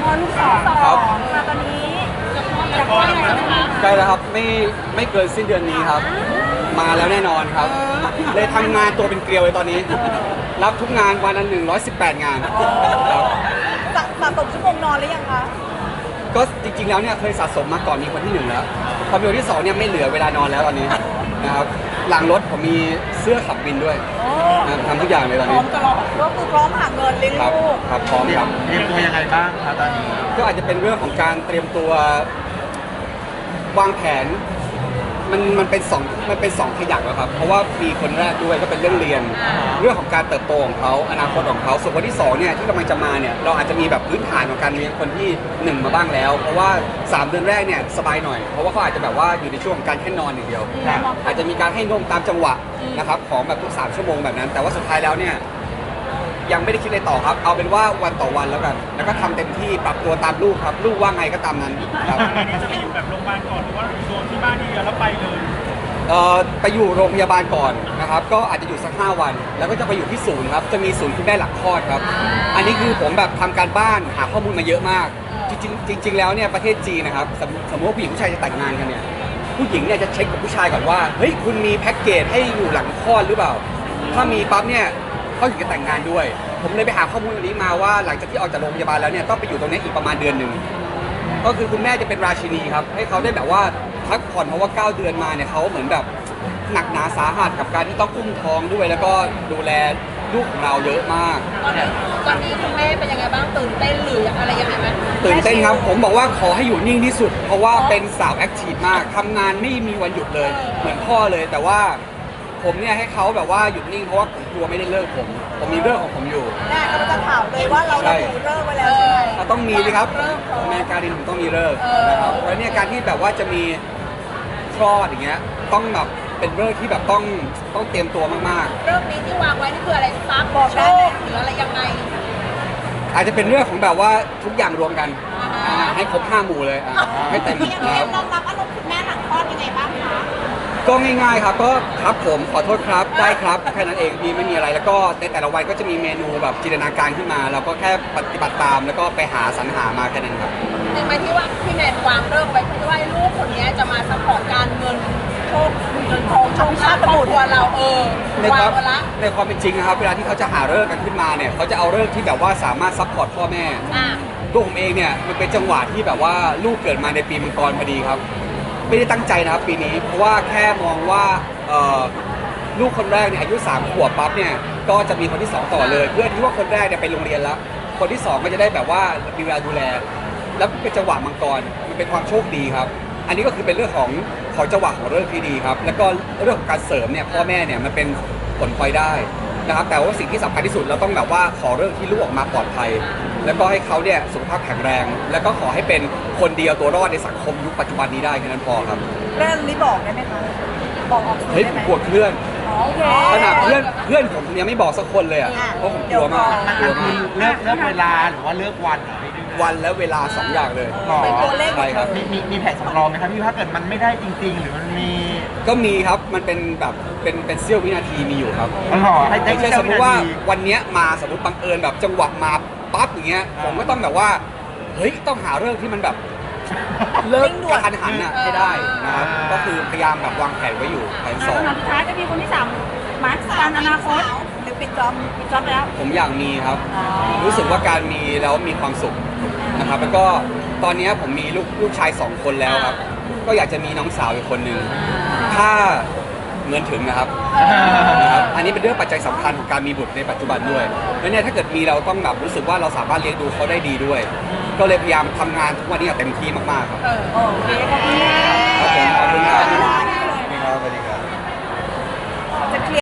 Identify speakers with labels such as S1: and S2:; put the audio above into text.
S1: อลูกสอง
S2: ครับ
S1: มาตอนนี้จะคลอดอะไรนะคะ
S2: ใกล้แล้วครับไม่เกินสิ้นเดือนนี้ครับ มาแล้วแน่นอนครับ เลยทำงานตัวเป็นเกลียวเลยตอนนี้ รับทุกงานวันละ118 งานครับ
S1: สะสมชั่วโมงนอนหรือยังคะ
S2: ก็จริงๆแล้วเนี่ยเคยสะสมมาก่อนมีคนที่ 1แล้วพอมีคนที่2เนี่ยไม่เหลือเวลานอนแล้วตอนนี้นะครับหลังรถผมมีเสื้อขับบินด้วยนะครับทำทุกอย่างเลยตอน
S1: พร้อ
S2: นี้
S1: มตลอดก็คือพร้อมหาเงินเลี้ยง
S2: ครับ
S1: ลูก
S2: ครับพร้อมครับ
S3: เตรียมตัวยังไงบ้างครับตอนนี้
S2: ก็อาจจะเป็นเรื่องของการเตรียมตัววางแผนมันเป็นสองขยักแล้วครับเพราะว่ามีคนแรกด้วยก็เป็นเรื่องเรียน เรื่องของการเติบโตของเขาอนาคตของเขาส่วนคนที่2เนี่ยที่กำลังจะมาเนี่ยเราอาจจะมีแบบพื้นฐานของการเลี้ยงคนที่1มาบ้างแล้ว เพราะว่า3 เดือนแรกเนี่ยสบายหน่อยเพราะว่าเขาอาจจะแบบว่าอยู่ในช่วงของการแค่นอนอย่างเดียว อาจจะมีการให้นมตามจังหวะนะครับของแบบทุก3 ชั่วโมงแบบนั้น แต่ว่าสุดท้ายแล้วเนี่ยยังไม่ได้คิดอะไรต่อครับเอาเป็นว่าวันต่อวันแล้วกันแล้วก็ทำเต็มที่ปรับตัวตามลูกครับลูกว่าไงก็ตามนั้นครับ
S4: อันนี้จะไปอยู่แบบโรงพยาบาลก่อนหรือว่าโดนที่บ้านทีเดียวแล้วไปเลย
S2: ไปอยู่โรงพยาบาลก่อนนะครับก็อาจจะอยู่สัก5 วัน แล้วก็จะไปอยู่ที่ศูนย์ครับจะมีศูนย์คุณแม่หลังคลอดครับอันนี้คือผมแบบทำการบ้านหาข้อมูลมาเยอะมากจริงๆแล้วเนี่ยประเทศจีนนะครับสมมติว่าผู้หญิงผู้ชายจะแต่งงานกันเนี่ยผู้หญิงเนี่ยจะเช็คกับผู้ชายก่อนว่าเฮ้ยคุณมีแพ็กเกจให้อยู่หลังคลอดหรือเปล่าถ้ามีปั๊บเนี่ยเขาถึงจะแต่งงานด้วย ผมเลยไปหาข้อมูลอันนี้มาว่าหลังจากที่ออกจากโรงพยาบาลแล้วเนี่ยต้องไปอยู่ตรงนี้อีกประมาณเดือนหนึ่งก็คือคุณแม่จะเป็นราชินีครับให้เขาได้แบบว่าพักผ่อนเพราะว่า9 เดือนมาเนี่ยเขาเหมือนแบบหนักหนาสาหัสกับการที่ต้องอุ้มท้องด้วย แล้วก็ดูแลลูกของเราเยอะมาก
S1: ตอนนี้คุณแม่เป็นยังไงบ้างตื่นเต้นหรืออะไรยังไงไหม
S2: ตื่นเต้นครับผมบอกว่าขอให้อยู่นิ่งที่สุด เพราะว่าเป็นสาวแอคทีฟมากทำงานไม่มีวันหยุดเลย เหมือนพ่อเลยแต่ว่าผมเนี่ยให้เขาแบบว่าหยุดนิ่งเพราะว่าผมกลัวไม่ได้เลิกผมมีเรื่องของผมอยู่
S1: แม่ก็จะถามเลยว่าเราระบุเลิกไว้แล้วใช่ไหม
S2: ต้องมีสิครับแม่การินผมต้องมีเลิกนะครับแล้วเนี่ยการที่แบบว่าจะมีคลอดอย่างเงี้ยต้องแบบเป็นเรื่องที่แบบต้องเตรียมตัวมาก
S1: เรื่องนี้ที่วางไว้นี่คืออะไรซักบอกโชคหรืออะไรยังไง
S2: ๆ อาจจะเป็นเรื่องของแบบว่าทุกอย่างรวมกันให้ครบ5 หมู่เลยให้เต็มนะครับ
S1: รองรับอารมณ์คุณแม่หลังคลอดยังไงบ้างคะ
S2: ก็ง่ายๆครับก็ครับผมขอโทษครับได้ครับแค่นั้นเองไม่มีอะไรแล้วก็ในแต่ละวันก็จะมีเมนูแบบจินตนาการขึ้นมาเราก็แค่ปฏิบัติตามแล้วก็ไปหาสรรหามาแค่นั้นครับ
S1: จริงไหมที่ว่าพี่แนนวางเลิกไว้ที่ว่าลูกคนนี้จะมาซัพพอร์ตการเงินโชคเงินทองโชคชาติครอบครัวเรา
S2: ใน
S1: วา
S2: ค
S1: ง
S2: วาม
S1: ไว้ละ
S2: ในความเป็นจริงนะครับเวลาที่เขาจะหาเลิกษ์กันขึ้นมาเนี่ยเขาจะเอาเลิกษ์ที่แบบว่าสามารถซัพพอร์ตพ่อแม่
S1: อ่ะ
S2: ตัวผมเองเนี่ยมันเป็นจังหวะที่แบบว่าลูกเกิดมาในปีมังกรพอดีครับ ไม่ได้ตั้งใจนะครับปีนี้เพราะว่าแค่มองว่าลูกคนแรกเนี่ยอายุ3 ขวบปั๊บเนี่ยก็จะมีคนที่2ต่อเลย เพื่อที่ว่าคนแรกเนี่ยไปโรงเรียนแล้ว คนที่2ก็จะได้แบบว่ามีเวลาดูแล แล้วเป็นจังหวะมังกรมันเป็นความโชคดีครับ อันนี้ก็คือเป็นเรื่องของจังหวะของเรื่องที่ดีครับแล้วก็เรื่องของการเสริมเนี่ยพ่อแม่เนี่ยมันเป็นผลพลอยได้นะครับแต่ว่าสิ่งที่สำคัญที่สุดเราต้องแบบว่าขอเรื่องที่ลูกออกมาปลอดภัย แล้วก็ให้เขาเนี่ยสุขภาพแข็งแรง แล้วก็ขอให้เป็นคนเดียวตัวรอดในสังคมยุคปัจจุบันนี้ได้แค่นั้นพอครับ
S1: เรื่องนี้บอกได้ไหมคะบอกออกสื่อ
S2: เฮ้ย
S1: ได้ไหม
S2: ปวดเพื่อน
S1: โอเค
S2: ขนาดเพื่อนผมยังไม่บอกสักคนเลยอ่ะเพราะผมกลัวมากกลัว
S3: คื
S2: มาก
S3: อเลือกเวลาหรือว่าเลือกวันเหรอพี่
S2: วันและเวลา2 อย่างเลย
S1: เป็นตัวเลข
S2: ใช่ครับ
S3: มีแผนสำรองไหมครับพี่ถ้าเกิดมันไม่ได้จริง ๆ หรือมันมี
S2: ก็มีครับมันเป็นแบบเป็นเสี้ยววินาทีมีอยู่ครับ
S3: มันหล่อให้
S2: ไม่ใช่
S3: เจ้
S2: สมมติว่า
S3: นาที
S2: วันเนี้ยมาสมมติบังเอิญแบบจังหวะมาปั๊บอย่างเงี้ยผมก็ต้องแบบว่าเฮ้ยต้องหาเรื่องที่มันแบบเลิกกระทันหันอ่ะให้ได้นะครับก็คือพยายามแบบวางแผนไว้อยู่แผนสอง
S1: คำถามสุดท้ายจะมีคนที่3มาร์คการอนาคตหรือปิดจ็อบแล้ว
S2: ผมอยากมีครับ รู้สึกว่าการมีแล้วมีความสุขนะครับแล้วก็ตอนนี้ผมมีลูกชาย2 คนแล้วครับก็อยากจะมีน้องสาวอีกคนหนึ่งถ้าเงินถึงนะครับอันนี้เป็นเรื่องปัจจัยสำคัญของการมีบุตรในปัจจุบันด้วยแล้วเนี่ยถ้าเกิดมีเราต้องแบบรู้สึกว่าเราสามารถเลี้ยงดูเขาได้ดีด้วย ก็เลยพยายามทำงานทุกวันนี้อย่างเต็มที่มากๆครับ
S1: โอเคขอบคุณ
S2: ครับผมขอบคุณครับสวัสดีครับ